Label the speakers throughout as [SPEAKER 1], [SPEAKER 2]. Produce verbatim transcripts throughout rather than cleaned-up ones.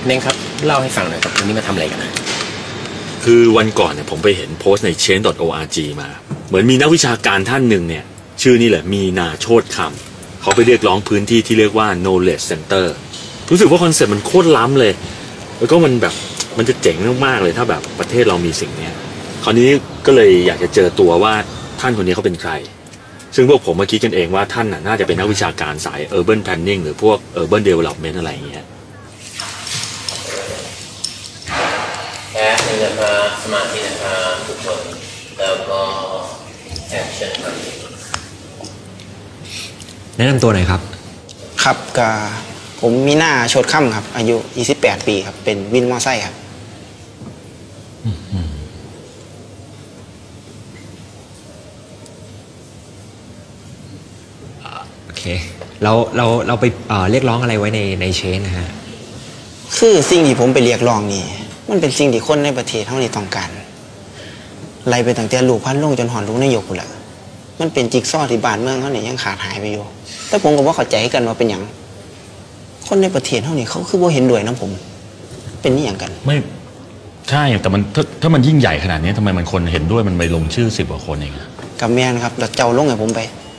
[SPEAKER 1] เน่งครับเล่าให้ฟังหน่อยครับวันนี้มาทำอะไรกันนะ
[SPEAKER 2] คือวันก่อนเนี่ยผมไปเห็นโพสต์ใน เชน ดอท โอ อาร์ จี มาเหมือนมีนักวิชาการท่านหนึ่งเนี่ยชื่อนี่แหละมีนาโชติคำเขาไปเรียกร้องพื้นที่ที่เรียกว่า knowledge center รู้สึกว่าคอนเซ็ปต์มันโคตรล้ำเลยแล้วก็มันแบบมันจะเจ๋งมากๆเลยถ้าแบบประเทศเรามีสิ่งนี้คราวนี้ก็เลยอยากจะเจอตัวว่าท่านคนนี้เขาเป็นใครซึ่งพวกผมมาคิดกันเองว่าท่านน่าจะเป็นนักวิชาการสาย urban planning หรือพวก urban development อะไรอย่างเงี้ย
[SPEAKER 1] แอปนี่นะครับสมาธินะครับทุกคนแล้วก็แอคชั่นครับ
[SPEAKER 3] แนะนำตัวหน่อยครับ
[SPEAKER 4] ครับกับผมมีหน้าโชดค่ำครับอายุยี่สิบแปดปีครับเป็นวินมอไซค์ครับ
[SPEAKER 3] โอเคเราเราเราไปเอ่อเรียกร้องอะไรไว้ในในเชนนะฮะ
[SPEAKER 4] คือสิ่งที่ผมไปเรียกร้องนี่มันเป็นสิ่งที่คนในประเทศเท่านี้ต้องการไล่ไปตั้งแต่ลูกพันลงจนหอนลูกนายกแหละมันเป็นจิ๊กซอว์ที่บ้านเมืองเขาเนี่ยยังขาดหายไปอยู่แต่ผมก็ว่าเข้าใจกันว่าเป็นอย่างคนในประเทศเท่านี้เขาคือว่าเห็นด้วยนะผมเป็นนี่อย่างกัน
[SPEAKER 2] ไม่ใช่แต่มันถ้าถ้ามันยิ่งใหญ่ขนาดนี้ทำไมมันคนเห็นด้วยมันไปลงชื่อสิบกว่าคนเอง
[SPEAKER 4] กับแม่นะครับแล้วเจ้าลงไงผมไป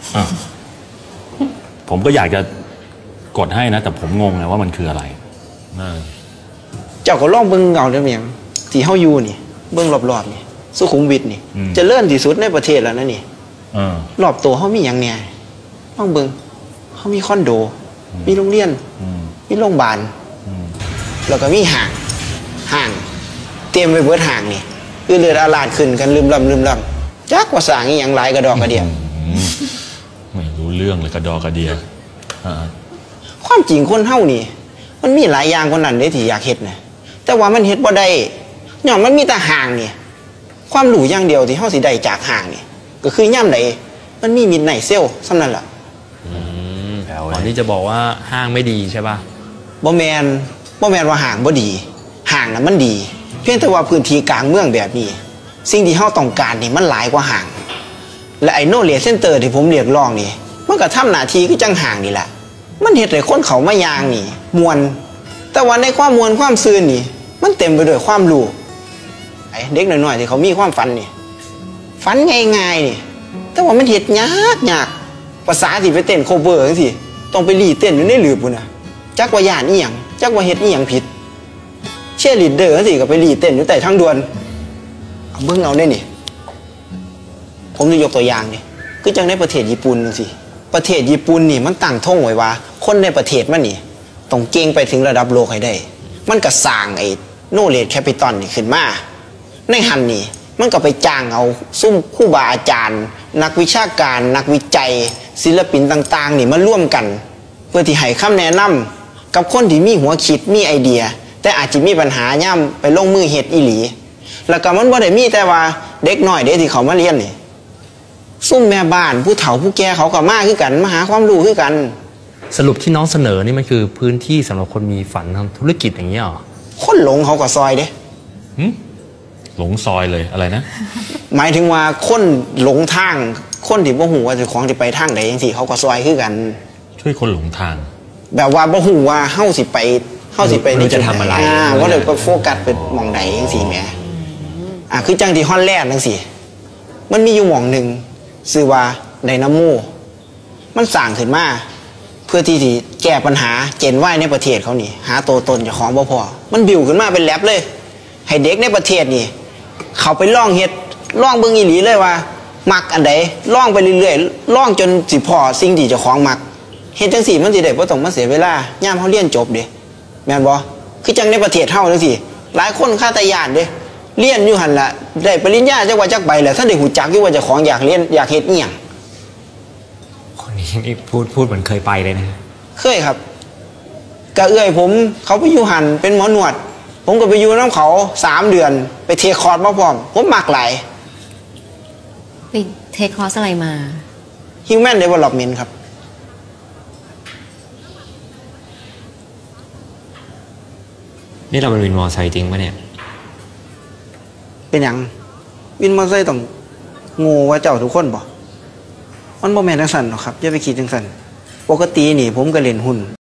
[SPEAKER 2] ผมก็อยากจะกดให้นะแต่ผมงงไงว่ามันคืออะไร
[SPEAKER 4] เจ้าก็ลองเบิ้งเงาได้ไหมยังที่เฮาอยู่นี่เบิ้งรอบๆนี่สุขุมวิทนี่จะเลื่อนที่สุดในประเทศแล้วนะนี่รอบตัวเฮามีอย่างเนี่ยลองเบิ้งเฮามีคอนโดมีโรงเรียนมีโรงพยาบาลแล้วก็มีห่างห่างเตรียมไปเบิดห่างนี่คือเลือดอาลาดขึ้นกันลืมลำลืมลำจักว่าสร้างอีหยังหลายกระดอกกระเดีย
[SPEAKER 2] ไม่รู้เรื่องเลยกระดอกกระเดีย
[SPEAKER 4] ความจริงคนเฮานี่มันมีหลายอย่างคนนั้นเด้ที่อยากเฮ็ดนะแต่ว่ามันเฮ็ดบ่ได้ย่อมมันมีแต่ห่างนี่ความรู้อย่างเดียวที่เฮาสิได้จากห่างนี่ก็คือย่ำใดมันมีมิดไนเซลสำนั่นล่ะ
[SPEAKER 3] ก่อนที่จะบอกว่าห้างไม่ดีใช่ป่ะ
[SPEAKER 4] บ่แมนบ่แมนว่าห่างบ่ดีห่างน่ะมันดีเพียงแต่ว่าพื้นที่กลางเมืองแบบนี้สิ่งที่เฮาต้องการนี่มันหลายกว่าห่างและไอ้โนเลจเซ็นเตอร์ที่ผมเรียกร้องนี่มันก็ทำหน้าที่คือจังห่างนี่แหละมันเฮ็ดให้คนเขามายางนี่มวนแต่ว่าในความมวนความซื่นนี่มันเต็มไปด้วยความรู้ไอ้เด็กน้อยๆที่เขามีความฝันนี่ฝันง่ายๆนี่แต่ว่ามันเฮ็ดยากยากภาษาที่ไปเต้นโคเวอร์จังซี่ต้องไปรีเต้นอยู่ในหลืบพุ่นน่ะจักว่าย่านอีหยังจักว่าเฮ็ดอีหยังผิดเชียร์ลีดเดอร์จังซี่ก็ไปรีเต้นอยู่ใต้ทางด่วนเอาเบิ่งเอาได้นี่ผมจะยกตัวอย่างนี่คือจังในประเทศญี่ปุ่นจังซี่ประเทศญี่ปุ่นนี่มันตั้งท่งไว้ว่าคนในประเทศมันนี่ต้องเก่งไปถึงระดับโลกให้ได้มันก็สร้างไอ้โนเลจแคปิตอลนี่ขึ้นมาในหันนี่มันก็ไปจ้างเอาซุ่มครูบาอาจารย์นักวิชาการนักวิจัยศิลปินต่างๆนี่มาร่วมกันเพื่อที่ให้คำแนะนำกับคนที่มีหัวคิดมีไอเดียแต่อาจจะมีปัญหาย่ำไปลงมือเฮ็ดอีหลีแล้วก็มันบ่ได้มีแต่ว่าเด็กน้อยเด็กที่เขามาเรียนนี่ซุ่มแม่บ้านผู้เฒ่าผู้แก่เขาก็มาคือกันมาหาความรู้คือกัน
[SPEAKER 3] สรุปที่น้องเสนอนี่มันคือพื้นที่สำหรับคนมีฝันทำธุรกิจอย่างนี้หรอ
[SPEAKER 4] คนหลงเขาก็ซอยเด้
[SPEAKER 2] หลงซอยเลยอะไรนะ
[SPEAKER 4] หมายถึงว่าคนหลงทางคนที่บ่ฮู้ว่าจะของจะไปทางใดจังซี่เขาก็ซอยคือกัน
[SPEAKER 2] ช่วยคนหลงทาง
[SPEAKER 4] แบบว่าบ่ฮู้ว่าเฮาสิไปเฮาสิไป
[SPEAKER 3] นี่จะทำอะไร
[SPEAKER 4] อ่าว่าเดี๋ยวก็โฟกัสไปมองใดจังซี่แหมอ่าคือจังที่ฮอลแลนด์จังซี่มันมีอยู่หม่องนึงชื่อว่าไดนาโมมันสร้างขึ้นมาเพื่อที่จะแก้ปัญหาเจนว่ายในประเทศเขานี่หาตัวตนเจ้าของบ่พอมันบิวขึ้นมาเป็นแลบเลยให้เด็กในประเทศนี่เขาไปล่องเฮ็ดล่องเบิ่งอีหลีเลยว่ามักอันใดล่องไปเรื่อยๆล่องจนสิพอสิ่งที่เจ้าของมักเฮ็ดจังซี่มันสิได้บ่ต้องมาเสียเวลายามเฮาเรียนจบเด้แม่นบ่คือจังในประเทศเฮาจังซี่หลายคนคาตาญาณเด้เรียนอยู่หั่นล่ะได้ปริญญาจักว่าจักใบแล้วท่านได้ฮู้จักอยู่ว่าเจ้าของอยากเรียนอยากเฮ็ดอีหยัง
[SPEAKER 3] คนนี้นี่พูดพูดเหมือนเคยไปเลยนะ
[SPEAKER 4] เคยครับกะเอื้อยผมเขาไปอยู่หั่นเป็นหมอหนวดผมก็ไปอยู่น้ำเขาสามเดือนไปเทคคอร์สมาพร้อมผมมักหลาย
[SPEAKER 5] ไปเทคคอร์สอะไรมา
[SPEAKER 4] Human Development ครับ
[SPEAKER 3] นี่เราเป็นวินมอไซค์จริงปะเนี่ย
[SPEAKER 4] เป็นอย่างวินมอไซค์ต้องงูว่าเจ้าทุกคนบ่มันบ่แม่นจังซั่นหรอกครับอย่าไปคิดจังซั่นปกตินี่ผมก็เล่นหุ้น